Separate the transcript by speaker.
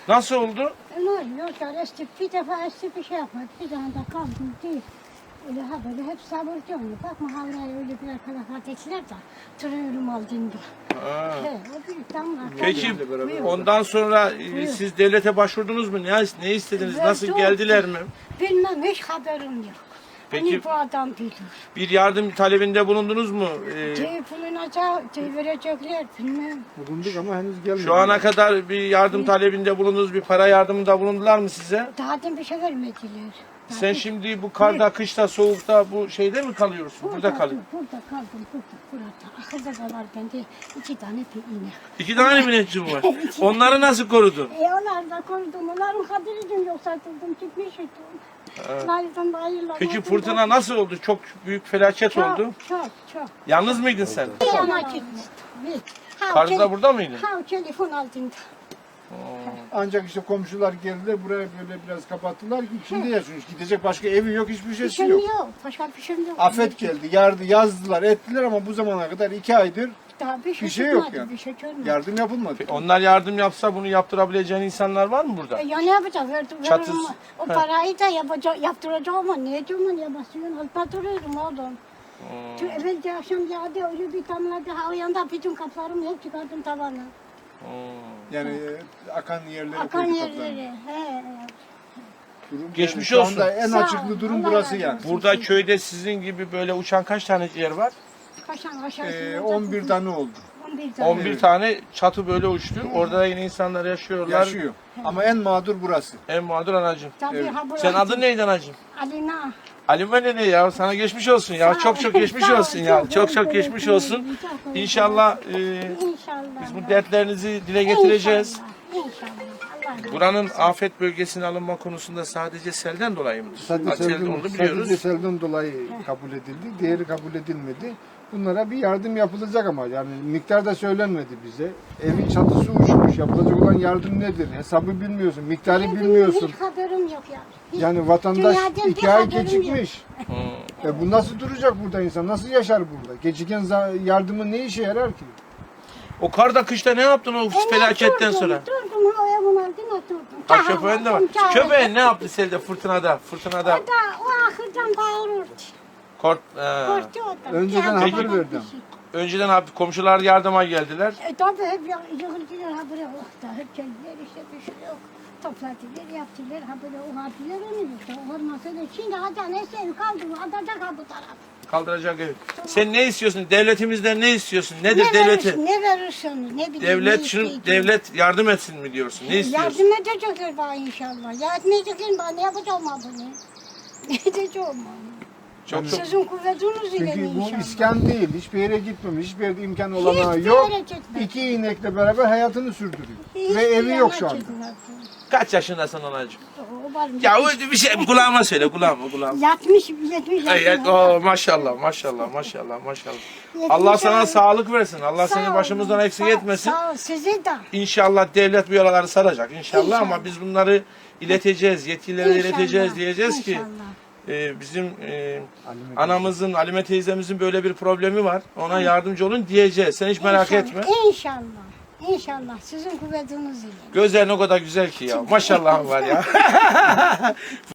Speaker 1: Nasıl oldu?
Speaker 2: Ne oluyor? Estik bir defa estik bir şey yapmadı. Bir tane de kaldım değil. Öyle ha böyle hep sabırcı onu. Bakma havraya öyle bir arkadaşlar ettiler de. Tırıyorum aldığında. He, o bir damla.
Speaker 1: Peki
Speaker 2: Buyur.
Speaker 1: ondan sonra
Speaker 2: Buyur.
Speaker 1: siz devlete başvurdunuz mu? Ne istediniz? Nasıl
Speaker 2: Yok.
Speaker 1: geldiler mi?
Speaker 2: Bilmem, hiç haberim yok.
Speaker 1: Peki-
Speaker 2: Hani bu adam bilir.
Speaker 1: Bir yardım talebinde bulundunuz mu?
Speaker 2: Bulunacak, verecekler bilmem.
Speaker 3: Bulunduk ama henüz gelmedi.
Speaker 1: Şu ana kadar bir yardım talebinde bulundunuz, bir para yardımında bulundular mı size?
Speaker 2: Daha da bir şey vermediler.
Speaker 1: Sen şimdi bu karda, kışta, soğukta bu şeyde mi kalıyorsun? Burada kalıyorsun.
Speaker 2: Burada kaldım, burada. Ahırda da var bende 2 tane bir inek.
Speaker 1: 2 tane mi netçim var? Onları nasıl korudun?
Speaker 2: Onlar da korudum, onların kadiriydim yoksa atıldım, çıkmıştım. Layıktan da ayırlar.
Speaker 1: Peki fırtına nasıl oldu? Çok büyük felaket oldu.
Speaker 2: Çok.
Speaker 1: Yalnız mıydın sen?
Speaker 2: Yana gittim.
Speaker 1: Karda da burada mıydın?
Speaker 2: Ha, telefon aldığında.
Speaker 3: Ancak işte komşular geldiler buraya böyle biraz kapattılar ki içinde yaşıyoruz. Gidecek başka evi yok, hiçbir
Speaker 2: Bir
Speaker 3: şeysi
Speaker 2: şeyim
Speaker 3: yok.
Speaker 2: yok, başka bir şeyim yok.
Speaker 3: Afet geldi, yazdılar, ettiler ama bu zamana kadar 2 aydır
Speaker 2: Daha
Speaker 3: bir şey yok
Speaker 2: çıkmadı,
Speaker 3: yani.
Speaker 2: Bir şey görmedim.
Speaker 3: yardım yapılmadı.
Speaker 1: Onlar yardım yapsa bunu yaptırabileceğin insanlar var mı burada?
Speaker 2: Ya ne yapacağım? Verdim,
Speaker 1: Çatıs-
Speaker 2: veririm. O parayı da yaptıracağım ama ne edeceğim ya basıyorum. Alıp duruyorum oğlum. Çünkü evvelce akşam yağdı öyle bir damladı. Ha o yanda bütün kaplarımı hep çıkardım tavana.
Speaker 3: Yani akan yerlere
Speaker 2: Akan
Speaker 3: koyduk kaplarını.
Speaker 2: yerleri. He.
Speaker 3: Durum
Speaker 1: Geçmiş
Speaker 3: yani.
Speaker 1: olsun.
Speaker 3: Şu anda en
Speaker 2: Sağ ol,
Speaker 3: açıklı durum
Speaker 2: Allah
Speaker 3: burası
Speaker 2: razı
Speaker 3: yani.
Speaker 2: olsun.
Speaker 1: Burada köyde sizin gibi böyle uçan kaç tane yer var?
Speaker 2: Kaşan aşağısı.
Speaker 3: 11 tane oldu.
Speaker 2: 11 tane.
Speaker 1: 11 tane çatı böyle uçtu. Orada da yine insanlar yaşıyorlar.
Speaker 3: Yaşıyor. Ama en mağdur burası.
Speaker 1: En mağdur anacığım.
Speaker 2: Tabii
Speaker 3: Evet.
Speaker 2: ha burası.
Speaker 1: Sen adın neydi anacığım?
Speaker 2: Alina.
Speaker 1: Halime ne ya? Sana geçmiş olsun ya.
Speaker 2: Sağ ol.
Speaker 1: Çok geçmiş
Speaker 2: Sağ ol,
Speaker 1: olsun ya. Çok
Speaker 2: teşekkür
Speaker 1: geçmiş
Speaker 2: ederim.
Speaker 1: olsun.
Speaker 2: Çok
Speaker 1: İnşallah
Speaker 2: İnşallah.
Speaker 1: biz bu dertlerinizi dile getireceğiz.
Speaker 2: İnşallah. Allah
Speaker 1: Buranın afet bölgesine alınma konusunda sadece selden dolayı mıdır?
Speaker 3: Sadece
Speaker 1: Selden olduğunu
Speaker 3: sadece
Speaker 1: biliyoruz.
Speaker 3: selden dolayı kabul edildi. Diğeri kabul edilmedi. Bunlara bir yardım yapılacak ama yani miktar da söylenmedi bize. Evin çatısı uçmuş. Yapılacak olan yardım nedir? Hesabı bilmiyorsun. Miktarı bilmiyorsun.
Speaker 2: Hiç haberim yok yani. Hiç.
Speaker 3: Yani vatandaş
Speaker 2: Dünyadan bir
Speaker 3: 2 ay
Speaker 2: haberim
Speaker 3: gecikmiş. Bu nasıl duracak burada insan? Nasıl yaşar burada? Geciken yardımın ne işe yarar ki?
Speaker 1: O karda kışta ne yaptın o felaketten sonra?
Speaker 2: Durdum ha o evin altına oturdum.
Speaker 1: Ha köpeğin de var. Köpeğin ne yaptı selde fırtınada? Fırtınada
Speaker 2: O da o ahırdan bağırırdı.
Speaker 1: kort.
Speaker 2: Korktu o da.
Speaker 3: Önceden
Speaker 2: Peki.
Speaker 3: haber verdim.
Speaker 1: Önceden abi komşular yardıma geldiler.
Speaker 2: Tabii hep yığıldılar ha buraya oh da hep geldiler işte bir şey yok. Topladılar yaptılar ha böyle o hadiler onu işte olmasa da şimdi hadi neyse ev kaldı adacak ha bu taraf.
Speaker 1: Kaldıracak evi. Sen ne istiyorsun? Devletimizden ne istiyorsun? Nedir
Speaker 2: Ne
Speaker 1: devleti?
Speaker 2: verirsin, ne verirsiniz ne bileyim.
Speaker 1: Devlet
Speaker 2: ne
Speaker 1: şunu
Speaker 2: isteyeceğim.
Speaker 1: devlet yardım etsin mi diyorsun? Ne istiyorsun?
Speaker 2: Yardım edecekler bana inşallah. Yardım edecekler bana ne yapacağım ha bunu? Ne edeceğim onu?
Speaker 1: Çok
Speaker 2: Sizin kuvvetiniz ile
Speaker 3: Çünkü bu
Speaker 2: inşallah.
Speaker 3: iskan değil. Hiçbir yere gitmemiş. Hiçbir yerde imkan
Speaker 2: Hiçbir
Speaker 3: olanağı yok.
Speaker 2: yere gitmedi.
Speaker 3: 2 inekle beraber hayatını sürdürüyor.
Speaker 2: Hiçbir
Speaker 3: Ve evi yok
Speaker 2: yana
Speaker 3: şu anda.
Speaker 2: gitmedi.
Speaker 1: Kaç yaşındasın anacığım?
Speaker 2: O var mı?
Speaker 1: Ya öyle bir şey kulağıma söyle kulağıma.
Speaker 2: 70
Speaker 1: Ay,
Speaker 2: yaşında.
Speaker 1: maşallah maşallah. Allah sana sağlık versin. Allah seni başımızdan eksik etmesin.
Speaker 2: Sağ ol sizi de.
Speaker 1: İnşallah devlet bu yaraları saracak inşallah
Speaker 2: İnşallah.
Speaker 1: ama biz bunları ileteceğiz, yetkililere
Speaker 2: İnşallah,
Speaker 1: ileteceğiz diyeceğiz ki
Speaker 2: İnşallah.
Speaker 1: bizim anamızın, Halime teyzemizin böyle bir problemi var. Ona yardımcı olun diyeceğiz. Sen hiç merak
Speaker 2: İnşallah,
Speaker 1: etme.
Speaker 2: İnşallah. İnşallah sizin kuvvetiniz ile.
Speaker 1: Gözlerin o kadar güzel ki ya. Maşallah var ya.